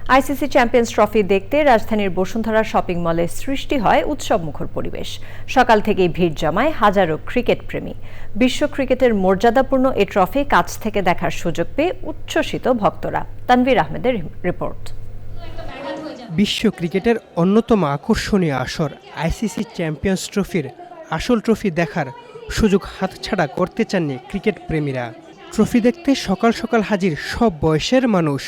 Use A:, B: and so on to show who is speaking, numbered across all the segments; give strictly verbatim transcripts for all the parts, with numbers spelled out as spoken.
A: ICC champions trophy দেখতে রাজধানীর Bashundhara shopping মলে সৃষ্টি হয় উৎসবমুখর পরিবেশ। সকাল থেকেই ভিড় জমায় হাজারো ক্রিকেট প্রেমী। বিশ্ব ক্রিকেটের মর্যাদাপূর্ণ এ ট্রফি কাছ থেকে দেখার সুযোগ পেয়ে উচ্ছ্বসিত ভক্তরা। তানভীর আহমেদের রিপোর্ট।
B: বিশ্ব ক্রিকেটের অন্যতম আকর্ষণীয় আসর আইসিসি চ্যাম্পিয়ন্স ট্রফির আসল ট্রফি দেখার সুযোগ হাতছাড়া করতে চাননি ক্রিকেট প্রেমীরা। ট্রফি দেখতে সকাল সকাল হাজির সব বয়সের মানুষ।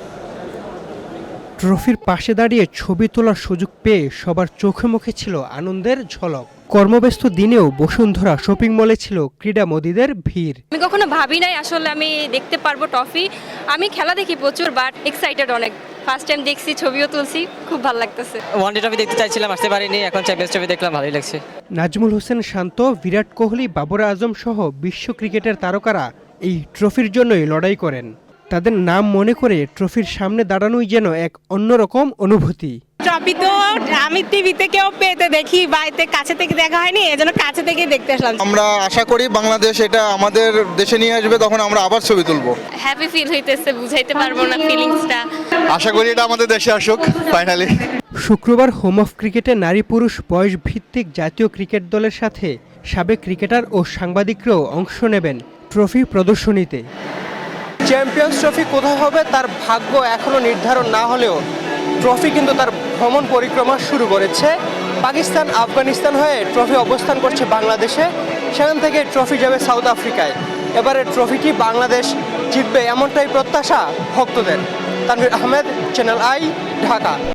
B: ট্রফির পাশে দাঁড়িয়ে ছবি তোলার সুযোগ পেয়ে সবার চোখে মুখে ছিল আনন্দের ঝলক। কর্মব্যস্ত দিনেও বসুন্ধরা শপিং মলে ছিল ক্রীড়ামোদীদের ভিড়।
C: আমি কখনো ভাবি নাই আসলে আমি দেখতে পারবো ট্রফি। আমি খেলা দেখি প্রচুর, বাট এক্সাইটেড অনেক। ফার্স্ট টাইম দেখছি, ছবিও তুলছি, খুব ভালো লাগতেছে।
D: ওয়ানডে ট্রফি দেখতে চাইছিলাম, আসতে পারিনি, এখন চ্যাম্পিয়ন্স ট্রফি দেখলাম, ভালোই লাগছে।
B: নাজমুল হোসেন শান্ত, বিরাট কোহলি, বাবর আজম সহ বিশ্ব ক্রিকেটের তারকারা এই ট্রফির জন্যই লড়াই করেন। তাদের নাম মনে করে ট্রফির সামনে দাঁড়ানোই যেন এক অন্যরকম অনুভূতি।
E: ট্রফি তো আমি টিভিতে কেউ পেতে দেখি, বাড়িতে কাছে থেকে দেখা হয়নি, এজন্য কাছে থেকে দেখতে আসলাম।
F: আমরা আশা করি বাংলাদেশ এটা আমাদের দেশে নিয়ে আসবে, তখন আমরা আবার ছবি তুলবো।
C: হ্যাপি ফিল হইতেছে, বুঝাইতে পারবো না ফিলিংসটা।
F: আশা করি এটা আমাদের দেশে আসুক ফাইনালি।
B: শুক্রবার হোম অফ ক্রিকেটে নারী পুরুষ বয়স ভিত্তিক জাতীয় ক্রিকেট দলের সাথে সাবেক ক্রিকেটার ও সাংবাদিকরাও অংশ নেবেন ট্রফি প্রদর্শনীতে। চ্যাম্পিয়ন্স ট্রফি কোথায় হবে তার ভাগ্য এখনো নির্ধারণ না হলেও ট্রফি কিন্তু তার ভ্রমণ পরিক্রমা শুরু করেছে। পাকিস্তান, আফগানিস্তান হয়ে ট্রফি অবস্থান করছে বাংলাদেশে, সেখান থেকে ট্রফি যাবে সাউথ আফ্রিকায়। এবারে ট্রফিটি বাংলাদেশ জিতবে এমনটাই প্রত্যাশা ভক্তদের। Tanvir Ahmed, channel I, Dhaka.